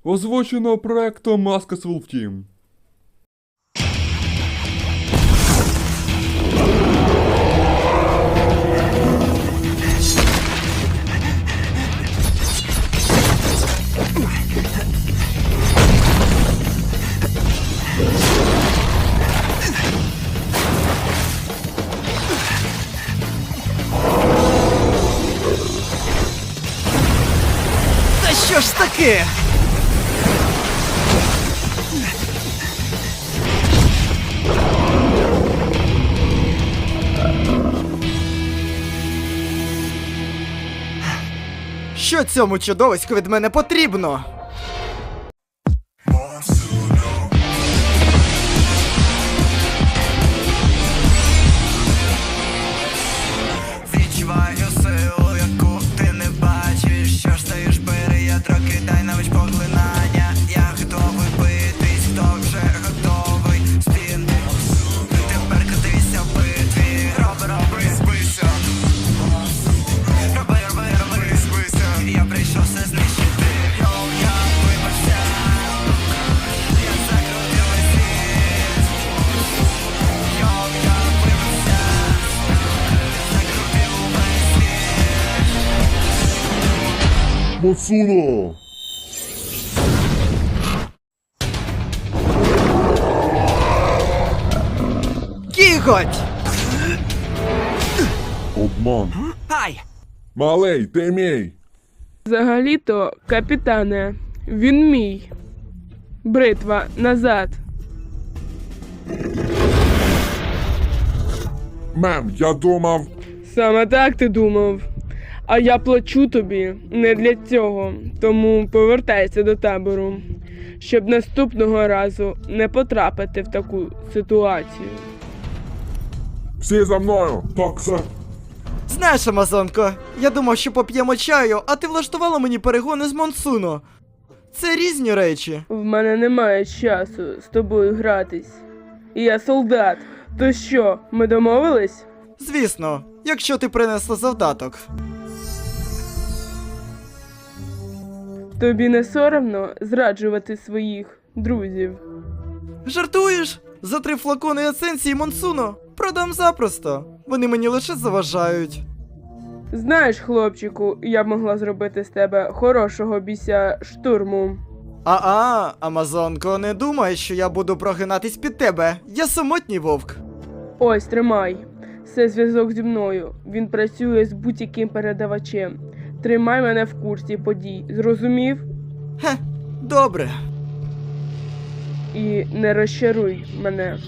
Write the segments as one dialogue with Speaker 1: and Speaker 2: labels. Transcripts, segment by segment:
Speaker 1: Озвучено проектом Maskasful Team.
Speaker 2: Та що ж таке? Що цьому чудовиську від мене потрібно?
Speaker 3: Відчуваю силу, яку ти не бачиш. Що ж стаєш, бери, я трохи дай навич поглинання. Я готовий битись, хто вже готовий. Спін, тепер катися в битві. Роби, збийся. Роби, збийся. Я прийшов все знищити. Йоу, я вибачся. Я закрутив весь світ. Йоу, я вибачся. Закрутив увесь світ.
Speaker 1: Мацуно!
Speaker 2: Кіготь!
Speaker 1: Обман.
Speaker 2: Ай!
Speaker 1: Малий, ти мій!
Speaker 4: Взагалі-то, капітане, він мій. Бритва, назад.
Speaker 1: Мем, я думав...
Speaker 4: Саме так ти думав. А я плачу тобі не для цього, тому повертайся до табору, щоб наступного разу не потрапити в таку ситуацію.
Speaker 1: Всі за мною! Так, сер.
Speaker 2: Знаєш, Амазонко, я думав, що поп'ємо чаю, а ти влаштувала мені перегони з Монсуно. Це різні речі.
Speaker 4: В мене немає часу з тобою гратись. Я солдат. То що, ми домовились?
Speaker 2: Звісно, якщо ти принесла завдаток.
Speaker 4: Тобі не соромно зраджувати своїх друзів?
Speaker 2: Жартуєш? За 3 флакони есенції Монсуно продам запросто. Вони мені лише заважають.
Speaker 4: Знаєш, хлопчику, я б могла зробити з тебе хорошого біся штурму.
Speaker 2: Амазонко, не думай, що я буду прогинатись під тебе. Я самотній вовк.
Speaker 4: Ось, тримай. Це зв'язок зі мною. Він працює з будь-яким передавачем. Тримай мене в курсі подій. Зрозумів?
Speaker 2: Хе, добре.
Speaker 4: І не розчаруй мене.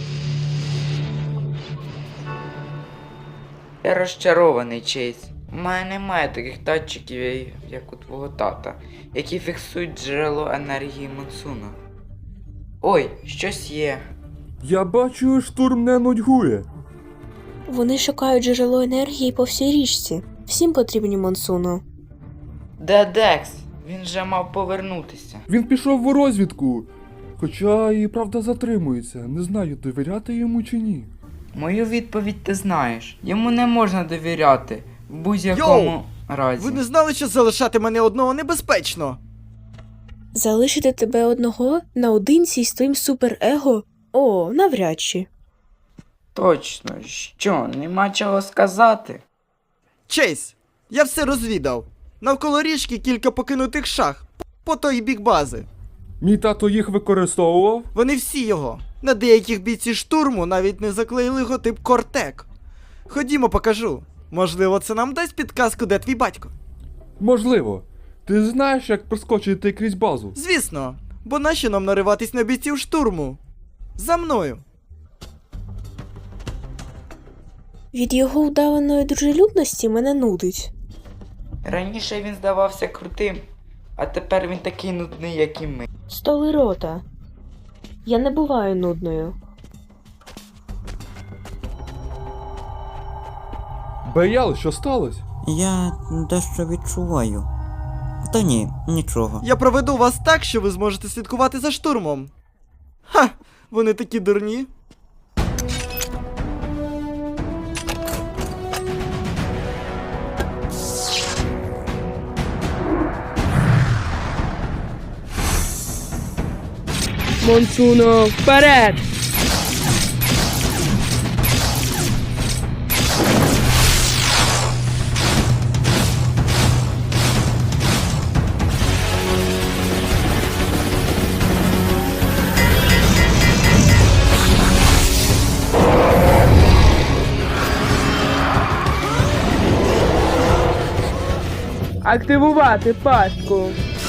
Speaker 5: Я розчарований, Чейз. У мене немає таких датчиків, як у твого тата, які фіксують джерело енергії Монсуно. Ой, щось є.
Speaker 1: Я бачу, штурм не нудьгує.
Speaker 6: Вони шукають джерело енергії по всій річці. Всім потрібні Монсуно.
Speaker 5: Де Декс? Він же мав повернутися.
Speaker 1: Він пішов у розвідку. Хоча і правда затримується. Не знаю, довіряти йому чи ні.
Speaker 5: Мою відповідь ти знаєш. Йому не можна довіряти. В будь-якому разі.
Speaker 2: Ви не знали, що залишати мене одного небезпечно?
Speaker 6: Залишити тебе одного наодинці з твоїм суперего? О, навряд чи.
Speaker 5: Точно, що, нема чого сказати?
Speaker 2: Чейз, я все розвідав. Навколо річки кілька покинутих шах. По той бік бази.
Speaker 1: Мій тато їх використовував?
Speaker 2: Вони всі його. На деяких бійці штурму навіть не заклеїли логотип Кортек. Ходімо, покажу. Можливо, це нам дасть підказку, де твій батько.
Speaker 1: Можливо. Ти знаєш, як проскочити крізь базу?
Speaker 2: Звісно, бо нащо нам нариватись на бійців штурму? За мною.
Speaker 6: Від його удаваної дружелюбності мене нудить.
Speaker 5: Раніше він здавався крутим, а тепер він такий нудний, як і ми.
Speaker 6: Столи рота. Я не буваю нудною.
Speaker 1: Беял, що сталося?
Speaker 7: Я дещо відчуваю. Та ні, нічого.
Speaker 2: Я проведу вас так, що ви зможете слідкувати за штурмом. Ха! Вони такі дурні.
Speaker 4: Монсуно, вперед! Активувати пастку.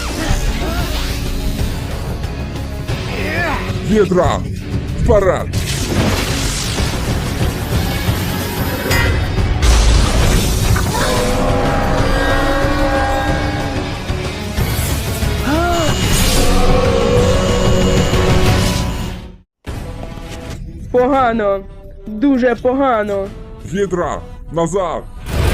Speaker 1: Гідра! Вперед!
Speaker 4: Погано. Дуже погано.
Speaker 1: Гідра! Назад!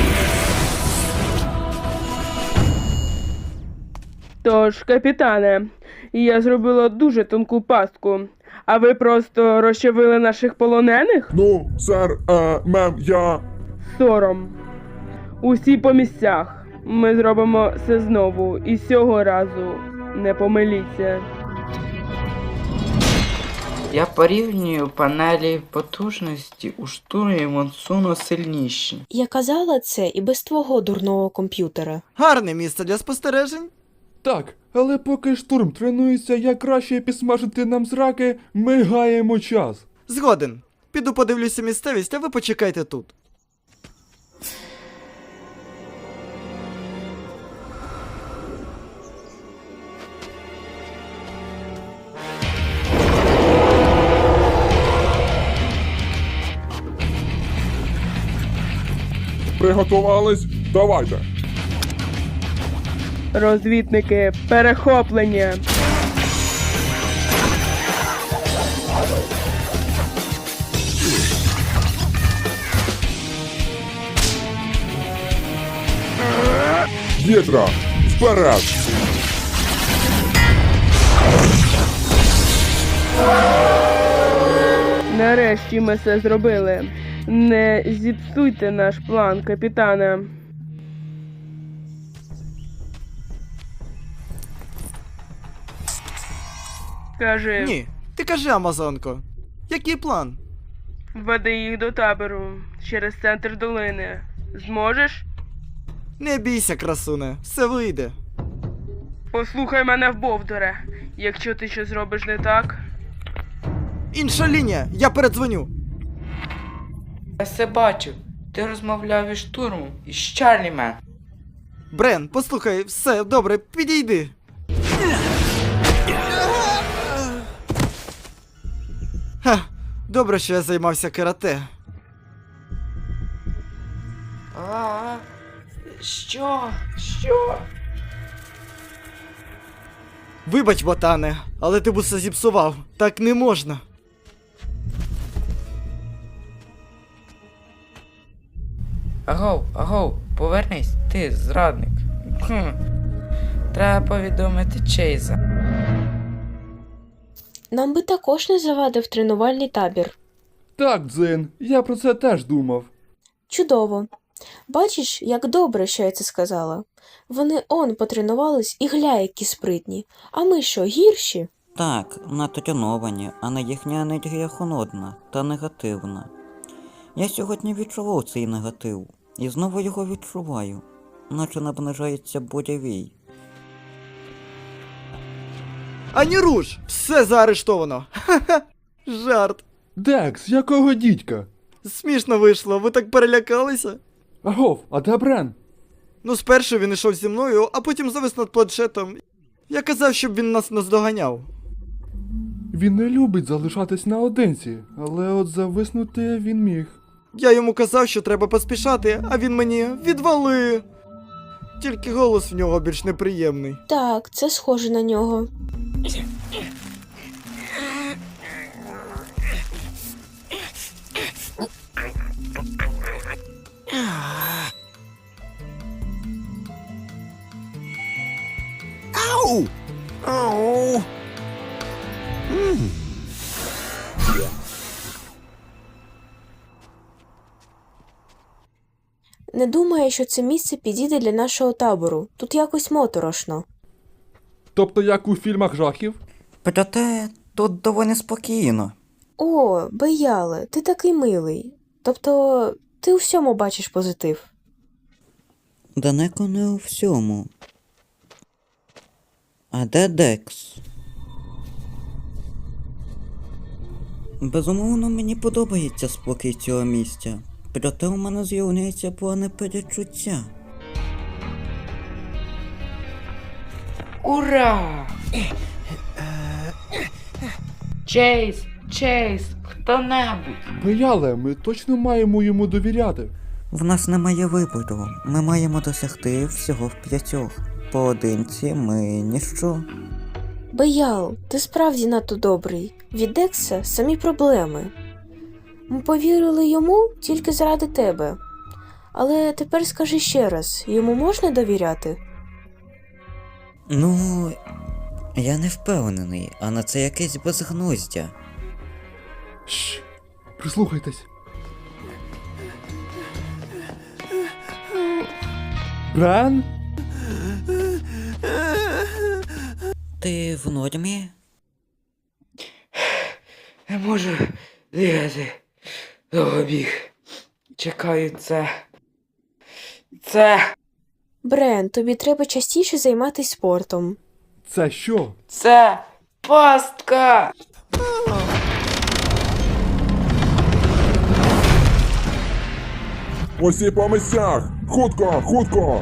Speaker 4: Тож, капітане, я зробила дуже тонку пастку. А ви просто розчавили наших полонених?
Speaker 1: Ну, сер, я...
Speaker 4: Сором. Усі по місцях. Ми зробимо це знову. І цього разу не помиліться.
Speaker 5: Я порівнюю панелі потужності у штурмі Монсуно сильніші.
Speaker 6: Я казала це і без твого дурного комп'ютера.
Speaker 2: Гарне місце для спостережень.
Speaker 1: Так, але поки штурм тренується, як краще підсмажити нам зраки, ми гаємо час.
Speaker 2: Згоден. Піду подивлюся місцевість, а ви почекайте тут.
Speaker 1: Приготувались? Давайте!
Speaker 4: Розвідники, перехоплення.
Speaker 1: Гідра! Вперед!
Speaker 4: Нарешті ми це зробили. Не зіпсуйте наш план, капітане. Кажи,
Speaker 2: Ні, ти кажи, Амазонко. Який план?
Speaker 4: веди їх до табору через центр долини. Зможеш?
Speaker 2: Не бійся, красуне, все вийде.
Speaker 4: Послухай мене вбовдоре. Якщо ти щось зробиш не так,
Speaker 2: Інша лінія, я передзвоню.
Speaker 5: Я все бачив. Ти розмовляв із штурмом, із Чарлімен.
Speaker 2: Брен, послухай, все, добре, підійди. Ха, добре, що я займався карате.
Speaker 5: А, що? Що?
Speaker 2: Вибач, ботане, але ти б усе зіпсував. Так не можна.
Speaker 5: Агов, повернись, ти зрадник. Треба повідомити Чейза.
Speaker 6: Нам би також не завадив тренувальний табір.
Speaker 1: Так, Дзин, я про це теж думав.
Speaker 6: Чудово. Бачиш, як добре, що я це сказала. Вони потренувались і гля, які спритні. А ми що, гірші?
Speaker 7: Так, натреновані, але їхня енергія холодна та негативна. Я сьогодні відчував цей негатив, і знову його відчуваю, наче наближається буревій.
Speaker 2: Ані руш! Все заарештовано. Ха-ха. Жарт.
Speaker 1: Декс, якого дідька?
Speaker 2: Смішно вийшло, ви так перелякалися?
Speaker 1: Агов, а де Брен?
Speaker 2: Ну, спершу він йшов зі мною, а потім завис над планшетом. Я казав, щоб він нас наздоганяв.
Speaker 1: Він не любить залишатись наодинці, але от зависнути він міг.
Speaker 2: Я йому казав, що треба поспішати, а він мені відвали. Тільки голос в нього більш неприємний.
Speaker 6: Так, це схоже на нього.
Speaker 2: Ау! Ау!
Speaker 6: Не думаю, що це місце підійде для нашого табору. Тут якось моторошно.
Speaker 1: Тобто як у фільмах жахів?
Speaker 7: Проте Тут доволі спокійно.
Speaker 6: О, Беяле, ти такий милий. Тобто, ти у всьому бачиш позитив.
Speaker 7: Далеко не у всьому. А де Декс? Безумовно, мені подобається спокій цього місця. Проте у мене з'являється плани перечуття.
Speaker 5: Ура! Чейз, хто-небудь.
Speaker 1: Беяле, ми точно маємо йому довіряти.
Speaker 7: В нас немає вибору. Ми маємо досягти всього в 5. Поодинці ми ніщо.
Speaker 6: Беял, ти справді надто добрий. Від Декса самі проблеми. Ми повірили йому тільки заради тебе. Але тепер скажи ще раз, йому можна довіряти?
Speaker 7: Ну, я не впевнений, а на це якесь безгнуздя.
Speaker 1: Шш, прислухайтесь. Бен?
Speaker 7: Ти в нормі?
Speaker 5: Не можу бігати. Довго біг. Чекаю це.
Speaker 6: Брен, тобі треба частіше займатися спортом.
Speaker 1: Це що?
Speaker 5: Це пастка!
Speaker 8: Усі по місцях! Хутко, хутко!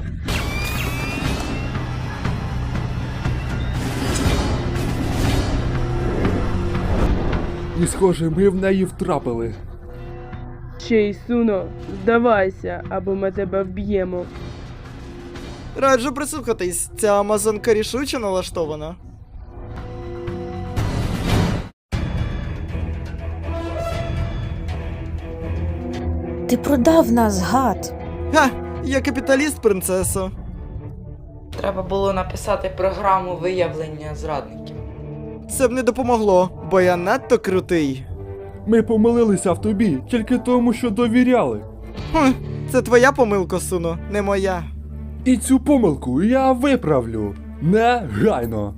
Speaker 1: І схоже, ми в неї втрапили.
Speaker 4: Чейз, Суно, здавайся, або ми тебе вб'ємо.
Speaker 2: Раджу прислухатись, ця амазонка рішуче налаштована.
Speaker 6: Ти продав нас, гад!
Speaker 2: Ха! Я капіталіст, принцесо.
Speaker 5: Треба було написати програму виявлення зрадників.
Speaker 2: Це б не допомогло, бо я надто крутий.
Speaker 1: Ми помилилися в тобі тільки тому, що довіряли.
Speaker 2: Хм, це твоя помилка, Суно, не моя.
Speaker 1: І цю помилку я виправлю. Негайно.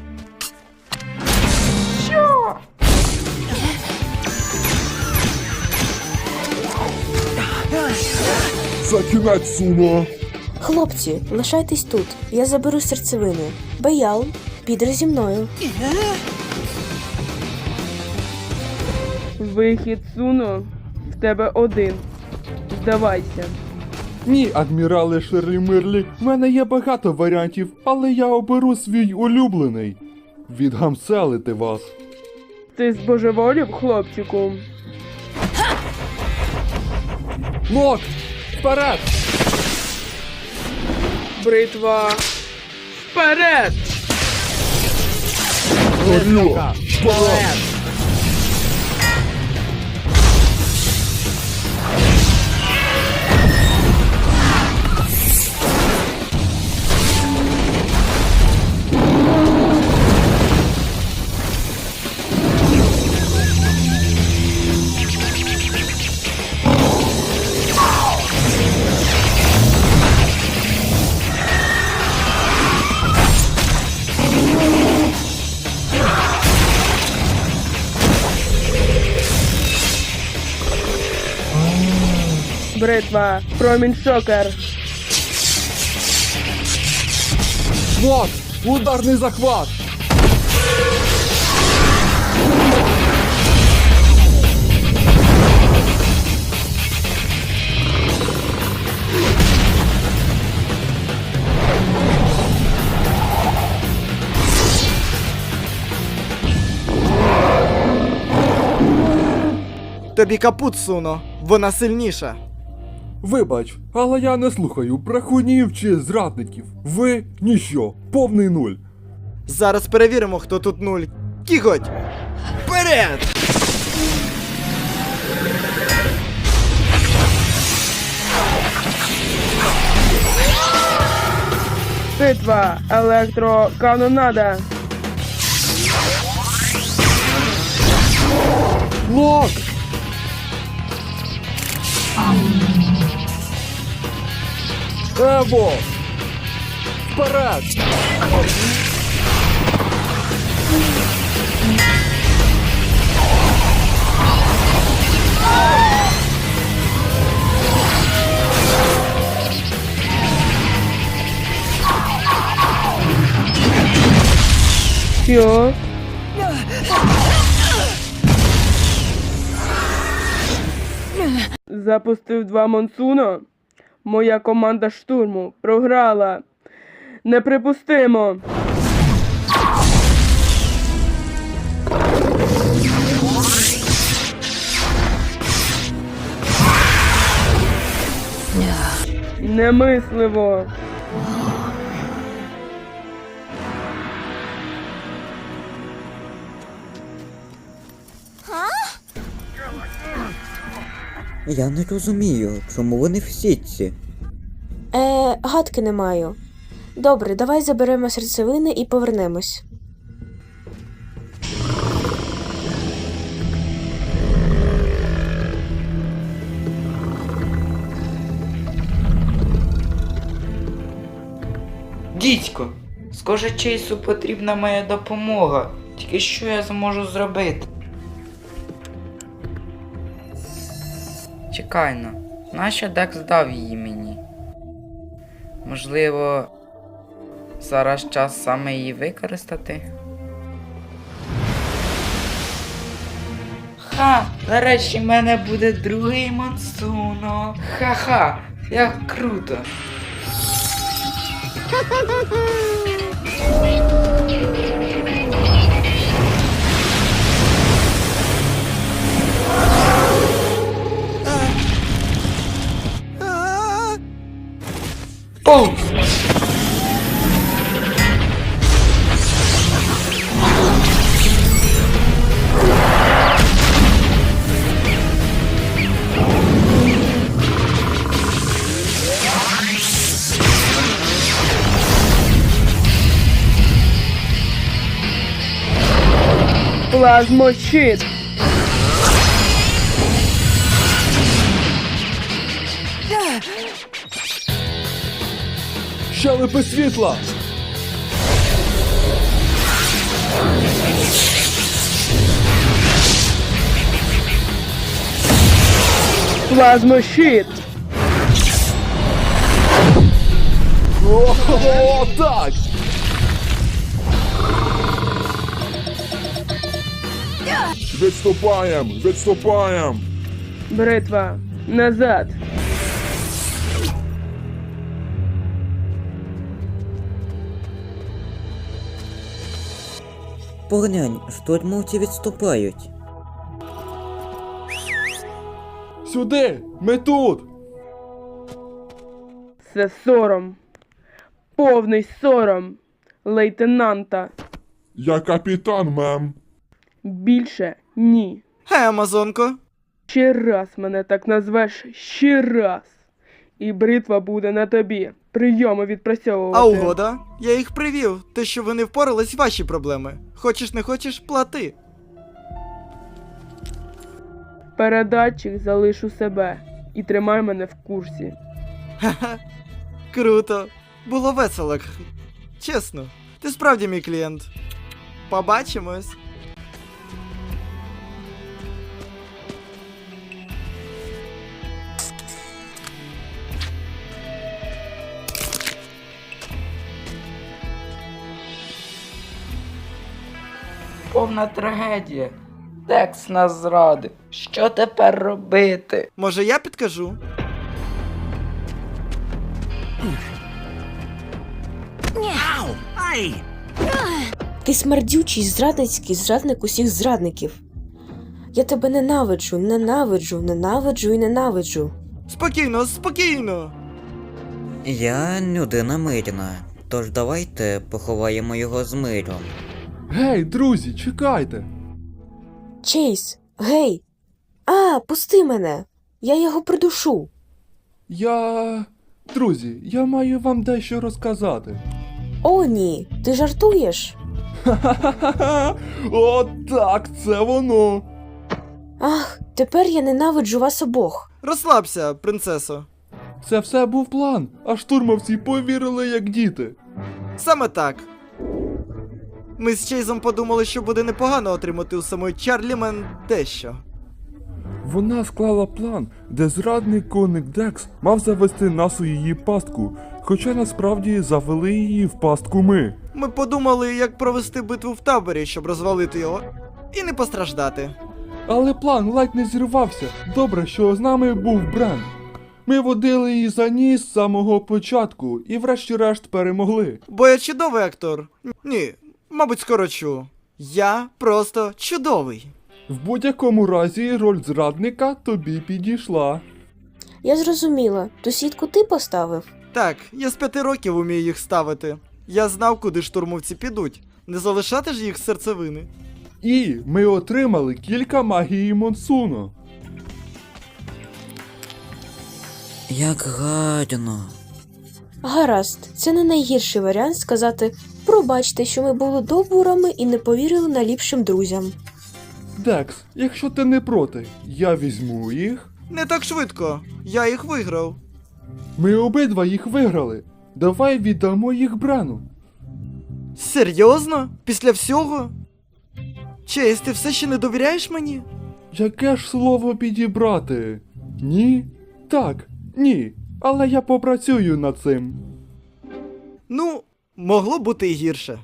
Speaker 8: За кінець, Суно!
Speaker 6: Хлопці, лишайтесь тут, я заберу серцевини. Беял, підеш зі мною.
Speaker 4: Вихід, Суно, в тебе один. Здавайся.
Speaker 1: Ні, адмірале Ширлі Мирлі, в мене є багато варіантів, але я оберу свій улюблений. Відгамселити вас.
Speaker 4: Ти збожеволів, хлопчику?
Speaker 1: Лок! Вперед!
Speaker 4: Бритва. Вперед!
Speaker 8: Горіло! Вперед!
Speaker 4: Бритва. Промінь шокер.
Speaker 1: Лок! Ударний захват!
Speaker 2: Тобі капут, Суно, вона сильніша.
Speaker 1: Вибач, але я не слухаю брехунів чи зрадників. Ви ніщо, повний нуль.
Speaker 2: Зараз перевіримо, хто тут нуль. Кіготь! Вперед!
Speaker 4: Битва. Електроканонада.
Speaker 1: Лок! Ево! Вперед!
Speaker 4: Що? Запустив 2 Монсуно? Моя команда штурму програла. Неприпустимо. Немисливо.
Speaker 7: Я не розумію, чому вони в сітці.
Speaker 6: Гадки не маю. Добре, давай заберемо серцевини і повернемось.
Speaker 5: Дідько, схоже, Чейсу потрібна моя допомога. Тільки що я зможу зробити? Чекай-но, нащо Декс дав її мені? Можливо, зараз час саме її використати? Ха! Нарешті в мене буде другий Монсуно! Ха-ха! Як круто! Оу!
Speaker 4: Плазмощит.
Speaker 1: Щелепи світла!
Speaker 4: Плазмощит.
Speaker 1: О, так!
Speaker 8: Відступаєм! Відступаєм!
Speaker 4: Бритва. Назад.
Speaker 7: Поглянь, штурмовці відступають.
Speaker 1: Сюди! Ми тут!
Speaker 4: Це сором. Повний сором. Лейтенанта.
Speaker 8: Я капітан, мем.
Speaker 4: Більше ні.
Speaker 2: Гей, Амазонко.
Speaker 4: Ще раз мене так назвеш, ще раз. І бритва буде на тобі. Прийоми відпрацьовувати.
Speaker 2: А угода? Я їх привів. Те, що ви не впорались, ваші проблеми. Хочеш не хочеш, плати.
Speaker 4: Передатчик залиш у себе. І тримай мене в курсі.
Speaker 2: Ха-ха. Круто. Було весело. Чесно. Ти справді мій клієнт. Побачимось.
Speaker 5: Повна трагедія. Декс нас зрадив. Що тепер робити?
Speaker 2: Може, я підкажу?
Speaker 6: Ти смердючий, зрадницький зрадник усіх зрадників. Я тебе ненавиджу, ненавиджу, ненавиджу і ненавиджу.
Speaker 2: Спокійно, спокійно.
Speaker 7: Я людина мирна, тож давайте поховаємо його з миром.
Speaker 1: Гей, друзі, чекайте!
Speaker 6: Чейз, гей! Пусти мене! Я його придушу.
Speaker 1: Друзі, я маю вам дещо розказати.
Speaker 6: О, ні, ти жартуєш?
Speaker 1: Ха-ха-ха! О, так, це воно!
Speaker 6: Ах, тепер я ненавиджу вас обох.
Speaker 2: Розслабся, принцесо.
Speaker 1: Це все був план, а штурмовці повірили як діти.
Speaker 2: Саме так. Ми з Чейзом подумали, що буде непогано отримати у самої Чарлімен дещо.
Speaker 1: Вона склала план, де зрадний коник Декс мав завести нас у її пастку, Хоча насправді завели її в пастку ми.
Speaker 2: Ми подумали, як провести битву в таборі, щоб розвалити його і не постраждати.
Speaker 1: Але план ледь не зірвався. Добре, що з нами був Брен. Ми водили її за ніс з самого початку і врешті-решт перемогли.
Speaker 2: Бо я чудовий актор. Ні, мабуть, скорочу. Я просто чудовий.
Speaker 1: В будь-якому разі роль зрадника тобі підійшла.
Speaker 6: Я зрозуміла, ту сітку ти поставив?
Speaker 2: Так, я з 5 років умію їх ставити. Я знав, куди штурмовці підуть. Не залишати ж їх з серцевини.
Speaker 1: І ми отримали кілька магії Монсуно.
Speaker 7: Як гарно.
Speaker 6: Гаразд, це не найгірший варіант сказати «пробачте, що ми були добурами і не повірили найліпшим друзям».
Speaker 1: Декс, якщо ти не проти, я візьму їх.
Speaker 2: Не так швидко. Я їх виграв.
Speaker 1: Ми обидва їх виграли. Давай віддамо їх Брену.
Speaker 2: Серйозно? Після всього? Чейз, ти все ще не довіряєш мені?
Speaker 1: Яке ж слово підібрати? Ні? Так, ні. Але я попрацюю над цим.
Speaker 2: Ну, могло бути і гірше.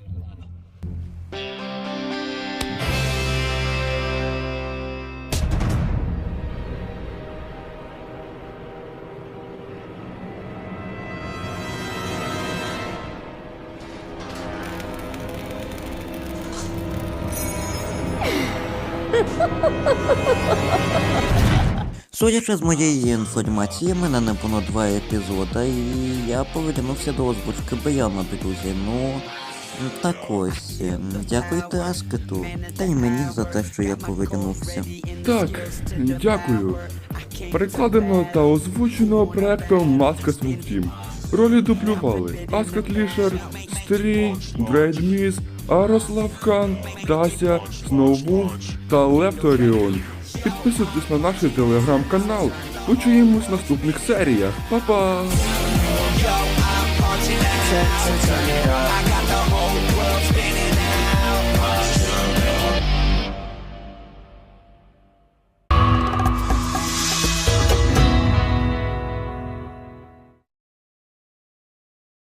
Speaker 7: Судячи з моєї інформації, мене не було 2 епізода, і я повернувся до озвучки Баяна, друзі. Ну, так ось. Дякуйте Аскету, та й мені за те, що я повернувся.
Speaker 1: Так, дякую. Перекладено та озвучено проектом Маска Смуктім. Ролі дублювали Аскет Лішер, Стрій, Брейд Міс, Арослав Кан, Тася, Сноубуф та Лепторіон. Підписуйтесь на наш телеграм-канал. Почуємось в наступних серіях. Па-па!
Speaker 3: Turn it up. I got the whole